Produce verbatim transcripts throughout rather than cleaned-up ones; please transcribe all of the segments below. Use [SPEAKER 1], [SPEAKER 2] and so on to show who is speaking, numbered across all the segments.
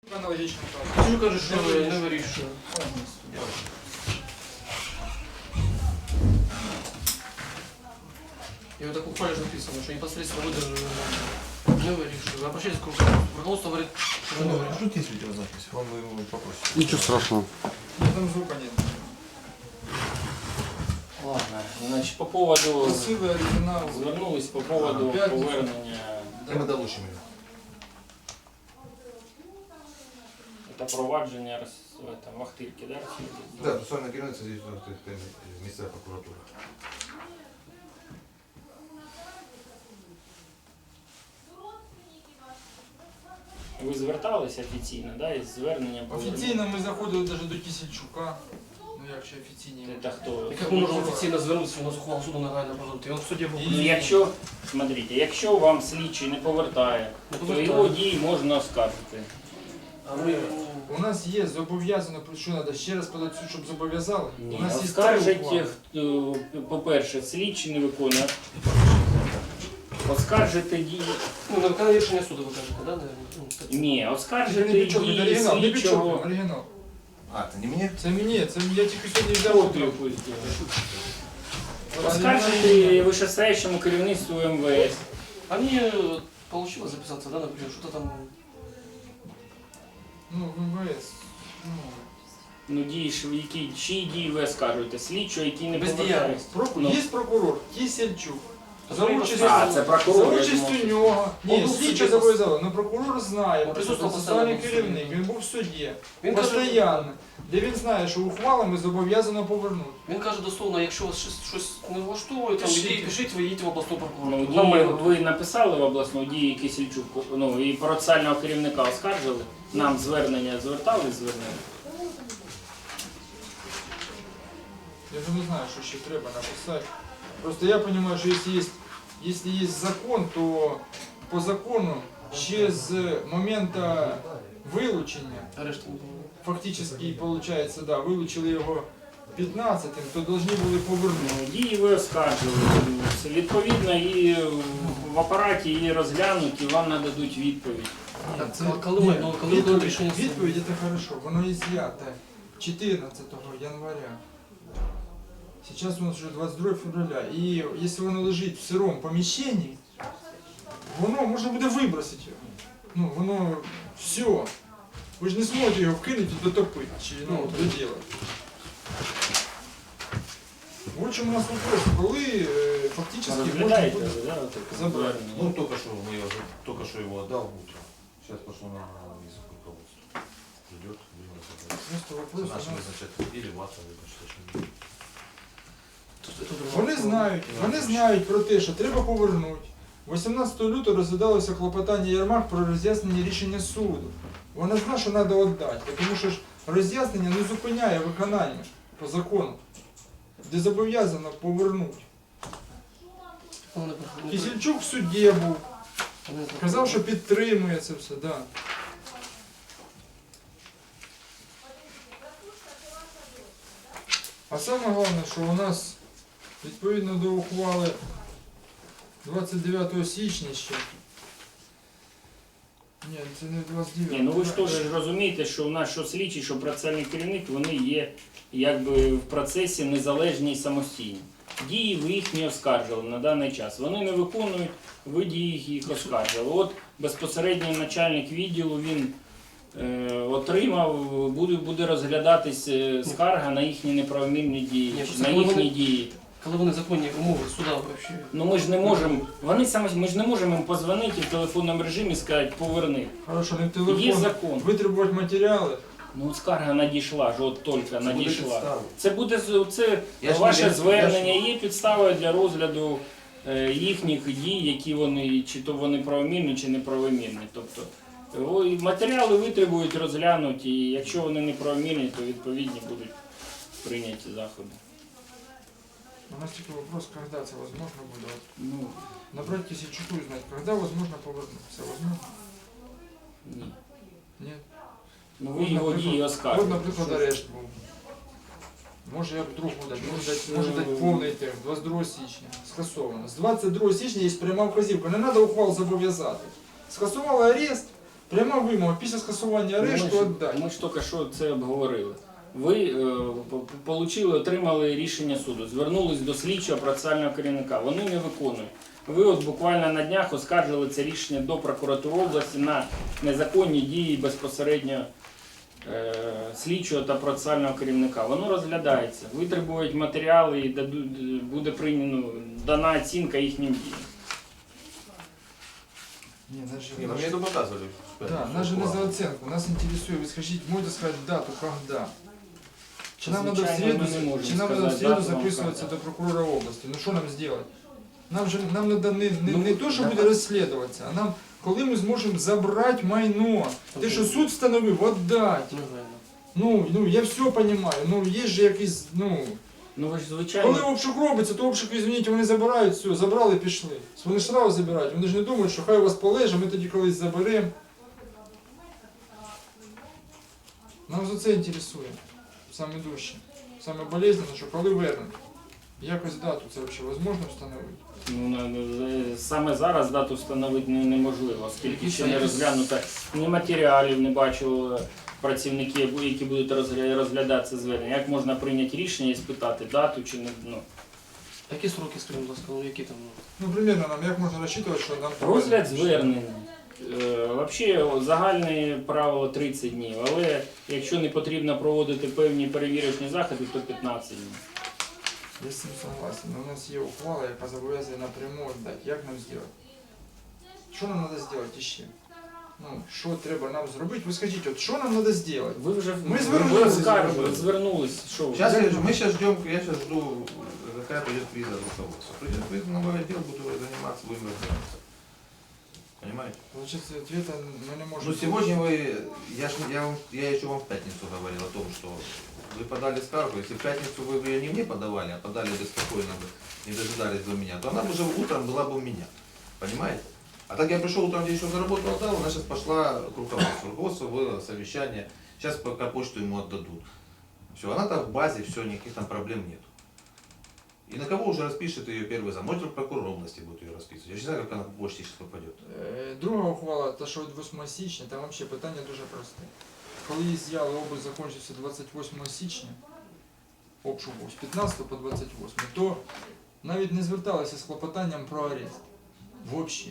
[SPEAKER 1] Аналогічно так.
[SPEAKER 2] Кисельчук каже, що не вирішує. И вот так буквально же написано, что непосредственно выдано не вирішує. Обращайтесь к руководству, говорит, что не вирішує.
[SPEAKER 3] Тут есть видеозапись, вам вы его попросите.
[SPEAKER 4] Ничего страшного.
[SPEAKER 1] Там звука нет.
[SPEAKER 5] Ладно, значить, по поводу,
[SPEAKER 1] Красивий оригінал.
[SPEAKER 5] звернулись по поводу
[SPEAKER 1] П'ятницю.
[SPEAKER 5] повернення
[SPEAKER 3] И мы долучим ее.
[SPEAKER 5] та провадження роз- в этом, Вахтирки, да?
[SPEAKER 3] Да, процессуальная керівниця здесь вот, это, місцева прокуратура.
[SPEAKER 5] Ви зверталися офіційно, да, із зверненням повернення?
[SPEAKER 1] Офіційно ми заходили навіть до Кисельчука. Ну як ще офіційні?
[SPEAKER 5] Це хто?
[SPEAKER 2] Як ми можемо офіційно звернутися, у нас ухвала суду нагальна продукти. Він в суді був.
[SPEAKER 5] Ну, якщо, смотрите, якщо вам слідчий не повертає,
[SPEAKER 2] Не
[SPEAKER 5] то
[SPEAKER 2] повертає.
[SPEAKER 5] його дії можна оскаржити.
[SPEAKER 2] А ми...
[SPEAKER 1] У нас є зобов'язано, що треба ще раз подати в суд, щоб зобов'язали?
[SPEAKER 5] Ні,
[SPEAKER 1] У нас є
[SPEAKER 5] оскаржить,
[SPEAKER 1] ухвали.
[SPEAKER 5] хто, по-перше, слідчий не виконує. Оскаржити дії.
[SPEAKER 2] Ну, на виконання рішення суду ви кажете, да? наверное? Ну, так.
[SPEAKER 5] Ні,
[SPEAKER 1] Це
[SPEAKER 5] оскаржити
[SPEAKER 1] не Пічок, це
[SPEAKER 5] дії
[SPEAKER 1] оригінал, не Пічок,
[SPEAKER 5] слідчого.
[SPEAKER 1] оригінал.
[SPEAKER 3] А, это не мне?
[SPEAKER 1] Це мені, це я тільки сьогодні взяв.
[SPEAKER 5] Копію
[SPEAKER 1] утром.
[SPEAKER 5] якусь зробити. Оскаржити вищестоящому керівництву эм вэ эс.
[SPEAKER 2] А мне вот получилось записаться, да, например, что-то там...
[SPEAKER 1] Ну, в эм вэ эс. Ну,
[SPEAKER 5] Ну, дії, ж, які, чиї дії ви оскаржуєте? Слідчого, який не
[SPEAKER 2] Бездіяльність.
[SPEAKER 5] повертається.
[SPEAKER 1] проку...
[SPEAKER 5] Ну.
[SPEAKER 1] Є прокурор Кисельчук. За
[SPEAKER 2] Прокурор
[SPEAKER 1] участю,
[SPEAKER 5] А, це прокурор,
[SPEAKER 1] за
[SPEAKER 5] я
[SPEAKER 1] участю
[SPEAKER 5] думав.
[SPEAKER 1] нього.
[SPEAKER 2] Он
[SPEAKER 1] Ні,
[SPEAKER 2] був в
[SPEAKER 1] слідчо
[SPEAKER 2] суді.
[SPEAKER 1] зобов'язали, але прокурор знає,
[SPEAKER 2] Он
[SPEAKER 1] про
[SPEAKER 2] присутствував
[SPEAKER 1] процесуальний
[SPEAKER 2] постійно в суді.
[SPEAKER 1] керівник, він був в суді.
[SPEAKER 2] Він каже,
[SPEAKER 1] Постоянно. Де він знає, що ухвалами зобов'язано повернути.
[SPEAKER 2] він каже дословно, якщо вас щось, щось не влаштовує, там,
[SPEAKER 1] Пишіть.
[SPEAKER 2] ідіть, пишіть, ви їдьте в обласну
[SPEAKER 5] Ну,
[SPEAKER 2] прокуратуру.
[SPEAKER 5] дії,
[SPEAKER 2] Нормально.
[SPEAKER 5] ви написали в обласну дії Кисельчук, ну, і процесуального керівника оскаржили? Нам звернення звертали звернення?
[SPEAKER 1] Я вже не знаю, що ще треба написати. Просто я розумію, що якщо є, якщо є закон, то по закону ще з моменту вилучення,
[SPEAKER 2] Арешт не було.
[SPEAKER 1] фактично, виходить, да, вилучили його п'ятнадцятим, то повинні були повернути.
[SPEAKER 5] Ну, дії ви оскаржили. Це відповідно і в апараті її розглянуть, і вам нададуть відповідь.
[SPEAKER 2] Так,
[SPEAKER 1] Це-
[SPEAKER 2] коли ми-
[SPEAKER 1] ні,
[SPEAKER 2] ну, коли буде рішення суду?
[SPEAKER 1] відповідь це хорошо, воно із'яте чотирнадцятого января. Сейчас у нас уже двадцать другое февраля, и если воно лежить в сирому поміщенні, воно можна буде вибросити його. Ну, воно все. Ви ж не зможете його вкинути і дотопити, чи ну, доділати. В чому у нас вопрос, коли е, фактично можна
[SPEAKER 5] Розглядаєте,
[SPEAKER 1] буде
[SPEAKER 5] да, таке
[SPEAKER 1] забрати.
[SPEAKER 5] звернення?
[SPEAKER 3] Ну, только что мы его, только что его отдал утром. Сейчас пошло на язык руководства. Идет, будем разобрать.
[SPEAKER 1] просто
[SPEAKER 3] Это
[SPEAKER 1] вопрос.
[SPEAKER 3] наши
[SPEAKER 1] у нас-
[SPEAKER 3] вызначать. Или вата вызначать.
[SPEAKER 2] Тут- тут друга
[SPEAKER 1] Вони
[SPEAKER 2] сторона.
[SPEAKER 1] знають, вони знають про те, що треба повернути. вісімнадцятого лютого розглядалося клопотання Єрмак про роз'яснення рішення суду. Вона знає, що треба віддати, тому що ж роз'яснення не зупиняє виконання по закону, де зобов'язано повернути.
[SPEAKER 2] Вони не- не-
[SPEAKER 1] Кисельчук в суді був,
[SPEAKER 2] вони не-
[SPEAKER 1] казав, що підтримує це все. Да. А саме головне, що у нас відповідно до ухвали двадцять дев'ятого січня ще. Ні, це не двадцять дев'ятого.
[SPEAKER 5] Ні, ну ви ж теж розумієте, що у нас що слідчий, що процесуальний керівник, вони є якби в процесі незалежні і самостійні. Дії ви їх не оскаржили на даний час. Вони не виконують, ви дії їх оскаржили. От безпосередньо начальник відділу, він е, отримав, буде, буде розглядатись е, скарга на їхні неправомірні дії,
[SPEAKER 2] Ні,
[SPEAKER 5] чи
[SPEAKER 2] це
[SPEAKER 5] на
[SPEAKER 2] коли
[SPEAKER 5] їхні
[SPEAKER 2] вони-
[SPEAKER 5] дії.
[SPEAKER 2] Коли вони законні умови суда вообще.
[SPEAKER 5] Ну ми ж не можемо, вони самі, ми ж не можемо їм позвонити в телефонному режимі і сказати поверни.
[SPEAKER 1] Хорошо, не в
[SPEAKER 5] Є
[SPEAKER 1] телефон.
[SPEAKER 5] закон.
[SPEAKER 1] Витребувати матеріали.
[SPEAKER 5] Ну, скарга надійшла, ж от тільки надійшла.
[SPEAKER 3] підстави.
[SPEAKER 5] Це буде з- це
[SPEAKER 3] Я ж
[SPEAKER 5] ваше
[SPEAKER 3] не- я
[SPEAKER 5] звернення, є підставою для розгляду е, їхніх дій, які вони, чи то вони правомірні, чи неправомірні. Тобто о, і матеріали витребують, розглянуть, і якщо вони неправомірні, то відповідні будуть прийняті заходи.
[SPEAKER 1] У нас тільки вопрос, когда це возможно буде. От
[SPEAKER 5] Ну,
[SPEAKER 1] набрать Кисельчуку и узнать, когда возможно повернуться. Возможно?
[SPEAKER 5] ні.
[SPEAKER 1] Нет.
[SPEAKER 5] Ну ви його дії
[SPEAKER 1] От,
[SPEAKER 5] оскаржуєте.
[SPEAKER 1] наприклад,
[SPEAKER 5] Що ж?
[SPEAKER 1] арешт був. Може я б другу дати, може дати, може дати повний термін, двадцять другого січня. Скасовано. З двадцять другого січня є пряма вказівка, не треба ухвал зобов'язати. Скасували арест, Пряма вимога, після скасування арешту
[SPEAKER 5] Ми ж-
[SPEAKER 1] віддати.
[SPEAKER 5] Ми ж тільки що це обговорили. Ви е, получили, отримали рішення суду, звернулись до слідчого процесуального керівника. Вони не виконують. Ви от буквально на днях оскаржили це рішення до прокуратури області на незаконні дії безпосередньо е, слідчого та процесуального керівника. Воно розглядається. Витребують матеріали і дадуть, буде прийнято дана оцінка їхнім діям.
[SPEAKER 1] Не, нас же,
[SPEAKER 3] Не, ну
[SPEAKER 1] наш-
[SPEAKER 3] мне это показывали.
[SPEAKER 1] да, нас же не за оценку, нас интересует, вы скажите, можете сказать дату, когда? Чи нам надо в
[SPEAKER 5] Звичайно,
[SPEAKER 1] среду,
[SPEAKER 5] ми не можемо
[SPEAKER 1] чи нам надо в
[SPEAKER 5] сказати
[SPEAKER 1] среду
[SPEAKER 5] дату вам
[SPEAKER 1] записываться
[SPEAKER 5] сказати.
[SPEAKER 1] до прокурора области? Ну що нам сделать? Нам же нам надо не, не,
[SPEAKER 5] Ну,
[SPEAKER 1] не то, що
[SPEAKER 5] да.
[SPEAKER 1] буде розслідуватися, а нам, коли ми зможемо забрати майно, те, що суд встановив, віддати.
[SPEAKER 2] Негайно.
[SPEAKER 1] Ну, ну я все розумію, ну є ж якийсь, ну,
[SPEAKER 5] Ну ви ж звичайно.
[SPEAKER 1] коли обшук робиться, то обшук, извините, вони забирають, все, забрали, пішли. Вони ж сразу забирають, вони ж не думають, що хай у вас полеже, ми тоді колись заберемо. Нам за це інтересує, саме дужче, саме болезненно, що коли вернуть. Якось дату це взагалі можливо встановити?
[SPEAKER 5] Ну, на- саме зараз дату встановити не- неможливо, оскільки ще не
[SPEAKER 1] Якісь-
[SPEAKER 5] розглянуто ні матеріалів, не бачили працівники, які будуть розгля- розглядати це звернення. Як можна прийняти рішення і спитати дату чи не ну.
[SPEAKER 2] Які сроки, скажімо, будь ласка, ну які там? ну?
[SPEAKER 1] Ну, примерно нам як можна розчитувати, що нам...
[SPEAKER 5] Розгляд звернення. Е, Взагалі загальне правило тридцять днів, але якщо не потрібно проводити певні перевірочні заходи, то п'ятнадцять днів.
[SPEAKER 1] Я з цим согласен, но у нас є ухвала, яка зобов'язує напряму віддати. Як нам зробити? Що нам треба зробити ще? Ну, що треба нам зробити? Ви скажіть, от що нам треба зробити?
[SPEAKER 5] Ви вже
[SPEAKER 1] Ми
[SPEAKER 5] ви
[SPEAKER 1] звернулись,
[SPEAKER 5] оскаржили,
[SPEAKER 3] звернулись.
[SPEAKER 5] звернулись. Що ви?
[SPEAKER 3] Сейчас я, мы сейчас ждем, я сейчас жду, какая придет криза руководства. Придет криза, новый отдел, буду заниматься, будем разбираться. Понимаете?
[SPEAKER 1] Получается, ответа мы не можем...
[SPEAKER 3] Ну сегодня вы, я, ж, я, вам, я еще вам в пятницу говорил о том, что вы подали скаргу, если в пятницу вы бы ее не мне подавали, а подали бы спокойно, бы, не дожидались до меня, то она бы уже утром была бы у меня. Понимаете? А так я пришел утром, здесь еще заработал, отдал, она сейчас пошла к руководству. Руководство было совещание, сейчас пока почту ему отдадут. Все, она там в базе, все, никаких там проблем нет. И на кого уже распишет ее первый зам? Может, прокурор области будет ее расписывать. Я не знаю, как она в почте сейчас попадет.
[SPEAKER 1] Е, Друга ухвала, та що від восьмого січня, там взагалі питання дуже просте. Коли з'яли обиск закінчився двадцять восьмого січня, обшук був з п'ятнадцятого по двадцять восьме, то навіть не зверталися з клопотанням про арест. Взагалі.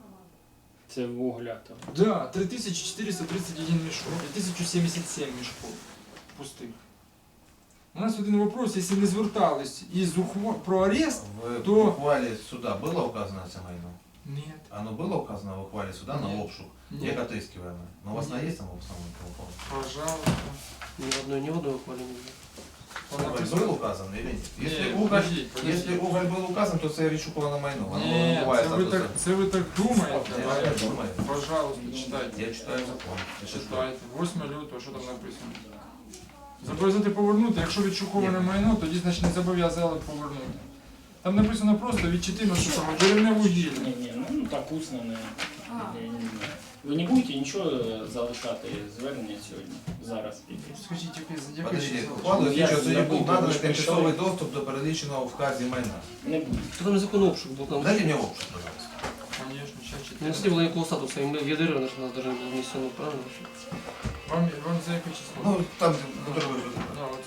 [SPEAKER 5] Це вуглятор.
[SPEAKER 1] Да, три тисячі чотириста тридцять один мішок і тисяча сімдесят сім мішків пустих. У нас один вопрос, якщо не звертались із ухва... про арест,
[SPEAKER 3] В
[SPEAKER 1] То-
[SPEAKER 3] ухвале суда было указано это майно?
[SPEAKER 1] нет,
[SPEAKER 3] Оно было указано в ухвале суда на
[SPEAKER 1] Нет.
[SPEAKER 3] обшук,
[SPEAKER 1] нет,
[SPEAKER 3] как отыскиваемое. Но у вас
[SPEAKER 1] Нет.
[SPEAKER 3] она есть там в самом телефоне?
[SPEAKER 1] пожалуйста.
[SPEAKER 2] Ні в одної, ні в одної ухвалі не було.
[SPEAKER 1] Вона
[SPEAKER 3] Уголь
[SPEAKER 1] написала-
[SPEAKER 3] был указан или нет? Если,
[SPEAKER 1] Нет,
[SPEAKER 3] уголь,
[SPEAKER 1] подождите, подождите.
[SPEAKER 3] если уголь был указан, то це відшукувано на майно. Воно
[SPEAKER 1] Ні,
[SPEAKER 3] буває
[SPEAKER 1] це ви
[SPEAKER 3] статусом.
[SPEAKER 1] так, це ви так думаєте,
[SPEAKER 3] Я
[SPEAKER 1] а
[SPEAKER 3] так думаю.
[SPEAKER 1] пожалуйста, читайте.
[SPEAKER 3] Я читаю закон. Я щас
[SPEAKER 1] Читайте. восьме лютого, що там написано? Зобов'язати повернути, якщо відшуковане
[SPEAKER 3] Ні.
[SPEAKER 1] майно, тоді значить не зобов'язали повернути. Там написано просто від чотирнадцятого деревне вугілля.
[SPEAKER 5] Ні, ні, ну, ну так усно не, я не знаю. Ви не будете нічого залишати звернення сьогодні, зараз?
[SPEAKER 1] Скажіть, яке, яке
[SPEAKER 3] Подожди,
[SPEAKER 1] число?
[SPEAKER 3] ухвалу
[SPEAKER 5] Я
[SPEAKER 3] слідчого судді був
[SPEAKER 5] забув,
[SPEAKER 3] наданий
[SPEAKER 5] ви ж
[SPEAKER 3] тимчасовий
[SPEAKER 5] прийшли.
[SPEAKER 3] доступ до переліченого в вказі майна.
[SPEAKER 5] Не буде.
[SPEAKER 2] То там незаконний обшук був. Там
[SPEAKER 3] Дайте мені обшук, пожалуйста.
[SPEAKER 1] Конечно, сейчас
[SPEAKER 2] не
[SPEAKER 1] читаю.
[SPEAKER 2] не було ніякого статусу, і ми в ядері наш нас навіть не було внесено, правильно?
[SPEAKER 1] Вам, вам за яке число?
[SPEAKER 3] Ну, там, который вы...
[SPEAKER 1] Да, вот.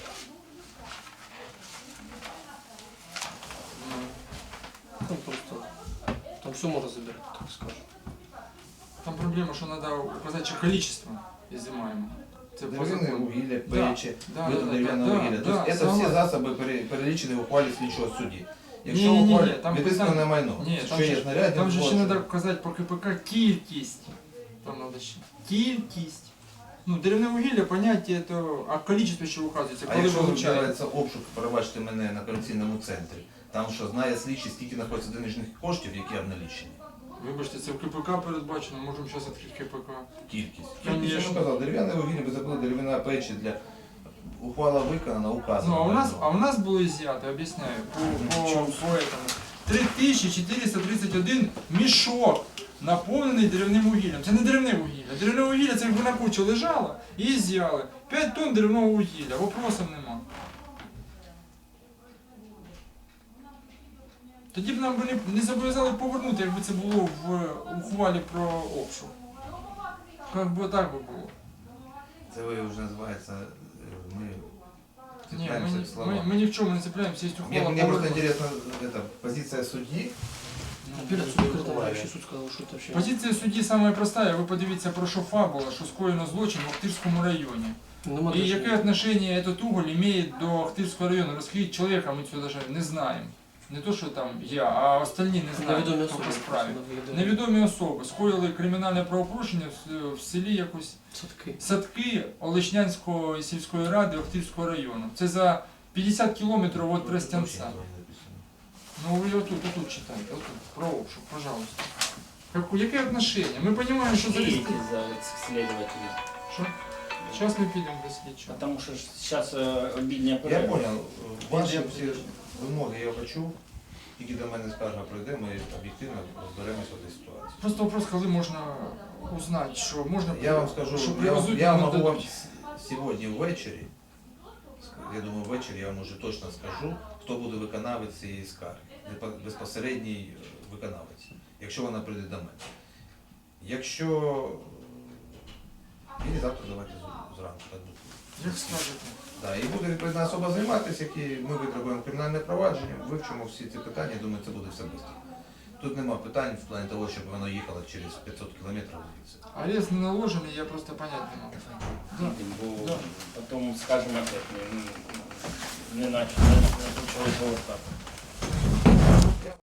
[SPEAKER 1] Ну,
[SPEAKER 2] Там просто, там все можна забирати, так скажу.
[SPEAKER 1] Там проблема, що треба указати ще количество изымаемого. Це по
[SPEAKER 3] Дерев'яне
[SPEAKER 1] закону.
[SPEAKER 3] вугілля,
[SPEAKER 1] Да,
[SPEAKER 3] печі,
[SPEAKER 1] да,
[SPEAKER 3] виду
[SPEAKER 1] да,
[SPEAKER 3] дерев'яного
[SPEAKER 1] да,
[SPEAKER 3] вугілля.
[SPEAKER 1] да,
[SPEAKER 3] Тобто це
[SPEAKER 1] согласен.
[SPEAKER 3] всі засоби пере- перелічені в ухвалі слідчого судді. Якщо в
[SPEAKER 1] Ні-ні-ні,
[SPEAKER 3] ухвалі
[SPEAKER 1] там
[SPEAKER 3] відтискане
[SPEAKER 1] питання-
[SPEAKER 3] майно,
[SPEAKER 1] Ні, там
[SPEAKER 3] що
[SPEAKER 1] же
[SPEAKER 3] є
[SPEAKER 1] ж-
[SPEAKER 3] знаряддя,
[SPEAKER 1] Там же ще
[SPEAKER 3] злочин.
[SPEAKER 1] треба вказати по КПК кількість. Там треба ще. Кількість. Ну, деревне вугілля, поняття, то, а количество ще вказується,
[SPEAKER 3] А
[SPEAKER 1] коли
[SPEAKER 3] якщо
[SPEAKER 1] вилучається.
[SPEAKER 3] відбувається обшук, перебачте мене на корупційному центрі, там що знає слідчий, скільки знаходиться денежних коштів, які обналічені.
[SPEAKER 1] Вибачте, це в КПК передбачено, можемо зараз відкрити КПК.
[SPEAKER 3] Кількість.
[SPEAKER 1] Конечно.
[SPEAKER 3] Кількість, я казав, дерев'яне вугілля, ви забули дерев'яна печі для ухвала виконана, указана.
[SPEAKER 1] Ну, а у нас,
[SPEAKER 3] майно.
[SPEAKER 1] а у нас було изъято, объясняю, по, по, по этому. три тисячі чотириста тридцять один мішок, наповнений деревним вугіллям. Це не деревне вугілля. Деревне вугілля це якби на кучі лежало і з'яли. п'ять тонн деревного вугілля, вопросів нема. Тоді б нам би не, не зобов'язали повернути, якби це було в ухвалі про обшук. Как бы так бы было.
[SPEAKER 3] Це ви вже називається, е, ми
[SPEAKER 1] Не, мы,
[SPEAKER 3] цепляємося
[SPEAKER 1] не-
[SPEAKER 3] к словам.
[SPEAKER 1] мы, мы ни в чем не цепляемся, есть
[SPEAKER 3] Мне,
[SPEAKER 1] ухвала.
[SPEAKER 3] мне просто
[SPEAKER 1] Павлова.
[SPEAKER 3] интересно, это, позиция судьи.
[SPEAKER 2] Наперед суд закритий, вообще суд сказав, що це вообще.
[SPEAKER 1] Позиція судді саме проста, ви подивіться про що фабула, що скоєно злочин в Охтирському районі.
[SPEAKER 2] Нема
[SPEAKER 1] І
[SPEAKER 2] до
[SPEAKER 1] яке
[SPEAKER 2] чого.
[SPEAKER 1] отношение этот уголь имеет до Охтирського району? Розкажіть чоловіка, ми цього даже не знаємо. Не то, що там я, а остальні не знають
[SPEAKER 2] Невідомі
[SPEAKER 1] по
[SPEAKER 2] особи.
[SPEAKER 1] справі.
[SPEAKER 2] Невідомі.
[SPEAKER 1] Невідомі особи скоїли кримінальне правопорушення в, в селі якось
[SPEAKER 2] Садки.
[SPEAKER 1] Садки Олешнянської сільської ради Охтирського району. Це за п'ятдесят кілометрів від Тростянця. Ну вы отут, отут читайте, отут, про обшук, пожалуйста. Как, яке отношение? Мы понимаем, что
[SPEAKER 5] Идите
[SPEAKER 1] завести...
[SPEAKER 5] за следователем.
[SPEAKER 1] Что? Сейчас мы підемо до слідчого.
[SPEAKER 5] Потому что сейчас обидня
[SPEAKER 3] Я
[SPEAKER 5] перерва.
[SPEAKER 3] понял, ваші
[SPEAKER 1] Підемо.
[SPEAKER 3] всі вимоги я почув, тільки до мене скарга пройде, ми об'єктивно розберемося в цій ситуації.
[SPEAKER 1] Просто вопрос, коли можна узнати, що можна...
[SPEAKER 3] Я вам скажу,
[SPEAKER 1] що
[SPEAKER 3] я, вам-
[SPEAKER 1] привезуть,
[SPEAKER 3] я
[SPEAKER 1] нам
[SPEAKER 3] можу вам
[SPEAKER 1] дадуть.
[SPEAKER 3] с- сьогодні ввечері, я думаю, ввечері я вам уже точно скажу, хто буде виконавець цієї скарги, Безпо- безпосередній е, виконавець, якщо вона прийде до мене. Якщо... І завтра давайте з- зранку. Так буде.
[SPEAKER 1] Як скажете?
[SPEAKER 3] Да, і буде відповідна особа займатися, які ми витребуємо кримінальне провадження, вивчимо всі ці питання, думаю, це буде все швидко. Тут нема питань в плані того, щоб воно їхало через п'ятсот кілометрів звідси.
[SPEAKER 1] Арест не наложений, я просто понять не можу. Да.
[SPEAKER 5] Бо
[SPEAKER 1] Да.
[SPEAKER 5] потом скажем опять, не, не, не начали, не почали повертати.